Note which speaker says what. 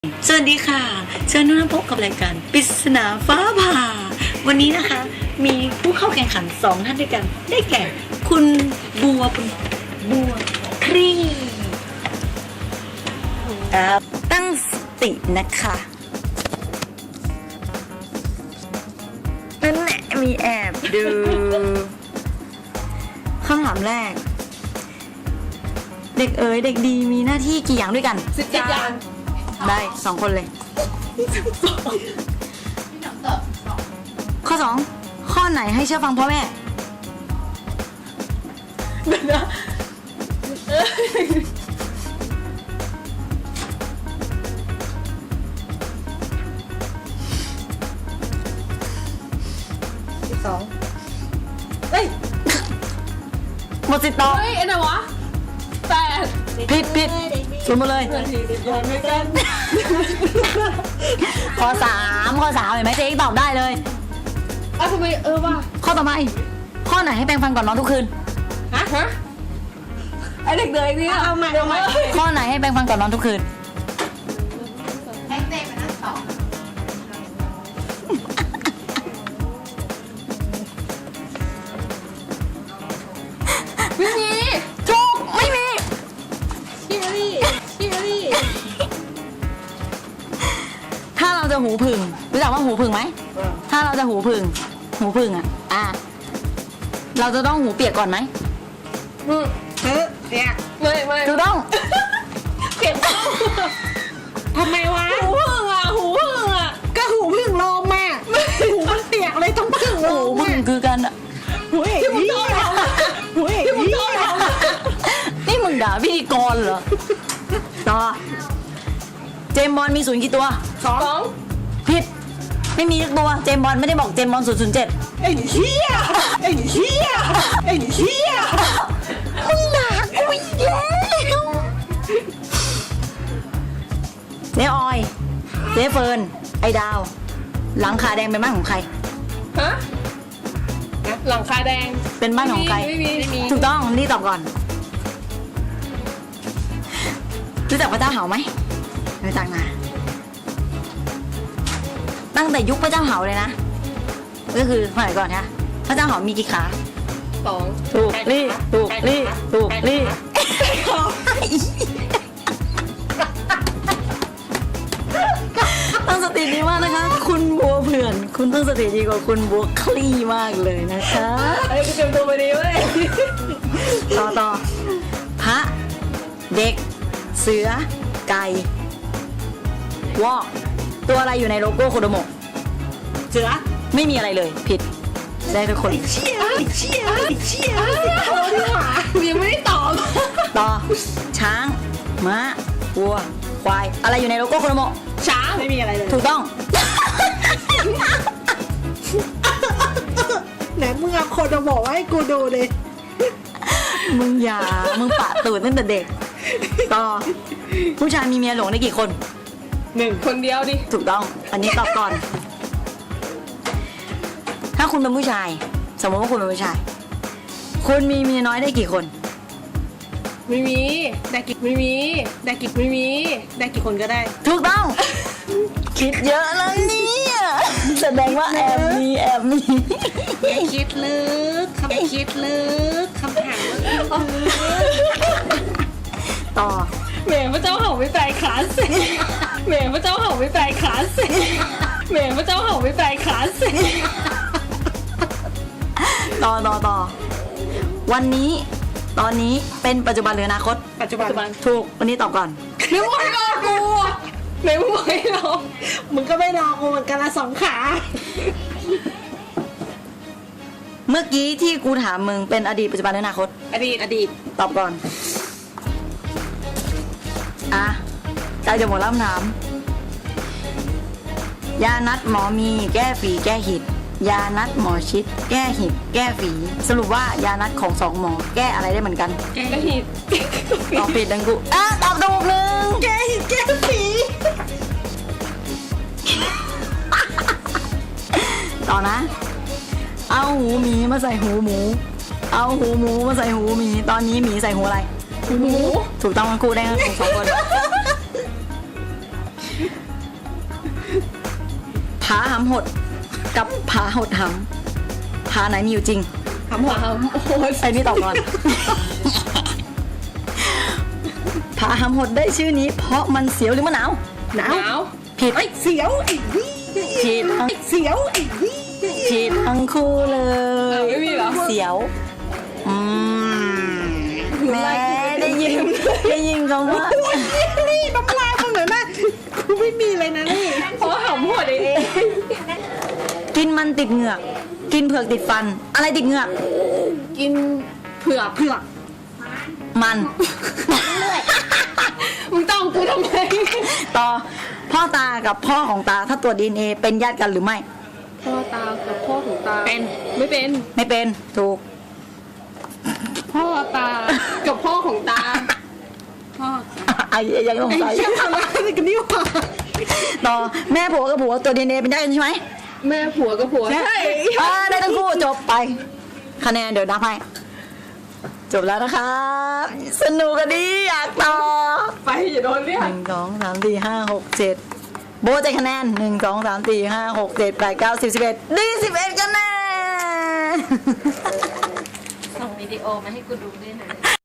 Speaker 1: สวัสดีค่ะเชิญทุกท่านพบกับรายการปริศนาฟ้าผ่าวันนี้นะคะมีผู้เข้าแข่งขัน2ท่านด้วยกันได้แก่คุณบัวครีตั้งสตินะคะนั่นแหละมีแอบดูคำถามแรกเด็กเอ๋ยเด็กดีมีหน้าที่กี่อย่างด้วยกัน
Speaker 2: 10 อย่าง
Speaker 1: ได้2 คนเลยข้อ 2ข้อไหนให้เชื่อฟังพ่อแม่
Speaker 2: เฮ้ย
Speaker 1: หมดสิทธิ์ตอบ
Speaker 2: เฮ้ยอะไรวะ8
Speaker 1: ผิดศูนย์หมดเลย
Speaker 2: นาที10 อย่างด้วยกัน
Speaker 1: ข้อ 3เห็นไหมเจ๊ตอบได้เลย
Speaker 2: ทำไมว่ะ
Speaker 1: ข้อต่อไปข้อไหนให้แปรงฟันก่อนนอนทุกคืน
Speaker 2: ฮะไอเด็กเด็กเนี่ยเอาใหม่
Speaker 1: ข้อไหนให้แปรงฟันก่อนนอนทุกคืน
Speaker 2: ไม่มี
Speaker 1: ถูกไม่มี
Speaker 2: ชิลี่
Speaker 1: ถ้าเราจะหูผึ่งรู้จักว่าหูผึ่งไหมถ้าเราจะหูผึ่งเราจะต้องหูเปียกก่อนไหม
Speaker 2: เนี่ยไม่
Speaker 1: ถูกต้อง
Speaker 2: เปลี่ยนทำไมวะหูพึ่งอ่ะก็หูพึ่งลมอ่ะหูมันเปียกเลยต้องพึ่งล
Speaker 1: หู
Speaker 2: ม
Speaker 1: ผึ่งคือกันอะ
Speaker 2: ที่มึงชอบทำที่มึงชอบทำ
Speaker 1: นี่มึงด่าพิธีกรเหรอต่อเจมส์บอลมี0กี่ตัว
Speaker 2: 2
Speaker 1: ผิดไม่มีทุกตัวเจมส์บอลไม่ได้บอกเจมส์บอล007
Speaker 2: ไอ้เหี้ย
Speaker 1: มึงด่ากูอีกแล้วเจ๊ออยเจ๊เฟิร์นไอ้ดาวหลังคาแดงเป็นบ้านของใคร
Speaker 2: ฮะหลังคาแดง
Speaker 1: เป็นบ้านของใคร
Speaker 2: ไม่มี
Speaker 1: ถูกต้องนี่ตอบก่อนรู้จักพระเจ้าเหาไหมรู้จักนะตั้งแต่ยุคพระเจ้าเหาเลยนะก็คือสมัยก่อนนะพระเจ้าเหามีกี่ขา
Speaker 2: 2
Speaker 1: ถูกลี่ตั้งสติดีมากนะคะ คุณบัวเผื่อนคุณตั้งสติดีกว่าคุณบัวคลี่มากเลยนะคะ
Speaker 2: ไอ้กูเตรียมตัวมาดีเว้ย
Speaker 1: ต่อพระเด็กเสือไก่วอกตัวอะไรอยู่ในโลโก้โคโดโมะ
Speaker 2: เสือ
Speaker 1: ไม่มีอะไรเลยผิดได้ทุกคน
Speaker 2: เชี่ยยังไม่ได้ตอบ
Speaker 1: ต่อช้างม้าวัวควายอะไรอยู่ในโลโก้โคโดโมะ
Speaker 2: ช้างไม่มีอะไรเลย
Speaker 1: ถูกต้อง
Speaker 2: ไหนมึงเอาคนมาบอกให้กูดูเลย
Speaker 1: มึงปะตูดตั้งแต่เด็กต่อผู้ชายมีเมียหลงได้กี่คน
Speaker 2: 1 คนเดียวดิ
Speaker 1: ถูกต้องอันนี้ตอบก่อน ถ้าคุณเป็นผู้ชายสมมติว่าคุณเป็นผู้ชายคุณมีเมียน้อยได้กี่คน
Speaker 2: ไม่มีได้กี่คนก็ได้
Speaker 1: ถูกต้อง คิดเยอะแล้วเนี่ยแสดงว่าแอบมี
Speaker 2: อย่าคิดลึกคำถาม
Speaker 1: ต่อ
Speaker 2: แหมพระเจ้าเห่าไม่แปลขาเสีย
Speaker 1: ต่อวันนี้ตอนนี้เป็นปัจจุบันหรืออนาคต
Speaker 2: ปัจจุบัน
Speaker 1: ถูกวันนี้ตอบก่อน
Speaker 2: นึกว่าให้รอกูไหนมึงบอกให้รอมึงก็ไม่รอกูเหมือนกันละ2 ขา
Speaker 1: เมื่อกี้ที่กูถามมึงเป็นอดีตปัจจุบันหรืออนาคต
Speaker 2: อดีต
Speaker 1: ตอบก่อนใจจะหมดแล้วคำถามยานัดหมอมีแก้ฝีแก้หิดยานัดหมอชิดแก้หิดแก้ฝีสรุปว่ายานัดของ2หมอแก้อะไรได้เหมือนกัน
Speaker 2: แก้หิด
Speaker 1: ตอบผิดดังกูตอบถูกหนึ่ง
Speaker 2: แก้หิดแก้ฝี
Speaker 1: ต่อนะเอาหูหมีมาใส่หูหมูเอาหูหมูมาใส่หูหมีตอนนี้หมีใส่หูอะไร
Speaker 2: หมู
Speaker 1: ถูกต้องทั้งคู่ได้ทั้ง2 คนาหำหดกับผาหดหำผาไหนมีอยู่จริง
Speaker 2: หำหัวหำโอ้โห
Speaker 1: ไอ้นี่ตอบก่อน ผาหำหดได้ชื่อนี้ เพราะมันเสียวหรือมะนาว
Speaker 2: หนาว
Speaker 1: ผิด
Speaker 2: ไอ้เสียวไอ้วี่
Speaker 1: ผิด
Speaker 2: ไอ้เสียวไอ้วี่
Speaker 1: ผิดทั้งคู่เลย
Speaker 2: ไม่มีเหรอ
Speaker 1: เสียวแม่ได้ยินคำว่า
Speaker 2: นี่น้ำลายมันเหมือนแม่กูไม่มีเลยนะนี่เพราะหำหัวเอง
Speaker 1: กินมันติดเหงือก กินเผือกติดฟัน อะไรติดเหงือก
Speaker 2: กินเผือก
Speaker 1: มัน
Speaker 2: มึงต้องกูทำไม
Speaker 1: ต่อพ่อตากับพ่อของตาถ้าตรวจ DNA เป็นญาติกันหรือไม่
Speaker 2: พ่อตากับพ่อของตาเป็นไม่เป็น
Speaker 1: ไม่เป็นถูก
Speaker 2: พ่อตากับพ่อของตาพ่อ
Speaker 1: ไอ้ยังสง
Speaker 2: ไอ้
Speaker 1: สัย
Speaker 2: เชี่ยทำอะไรกันนี่วะ
Speaker 1: ต่อแม่ผัวกับผัวตัว DNA เป็นญาติกันใช่ไหม
Speaker 2: แม่ผัวกับผัวใช่
Speaker 1: ได้ทั้งคู่จบไป คะแนนเดี๋ยวนับให้จบแล้วนะครับสนุกกันดีอยากต่อ
Speaker 2: ไปอย่าโดนเรียก
Speaker 1: 1 2 3 4 5 6 7โบใจคะแนน1 2 3 4 5 6 7 8 9 10 11ดี11คะแนน
Speaker 3: ส่งวิดีโอมาให้กูดูด้วยนะ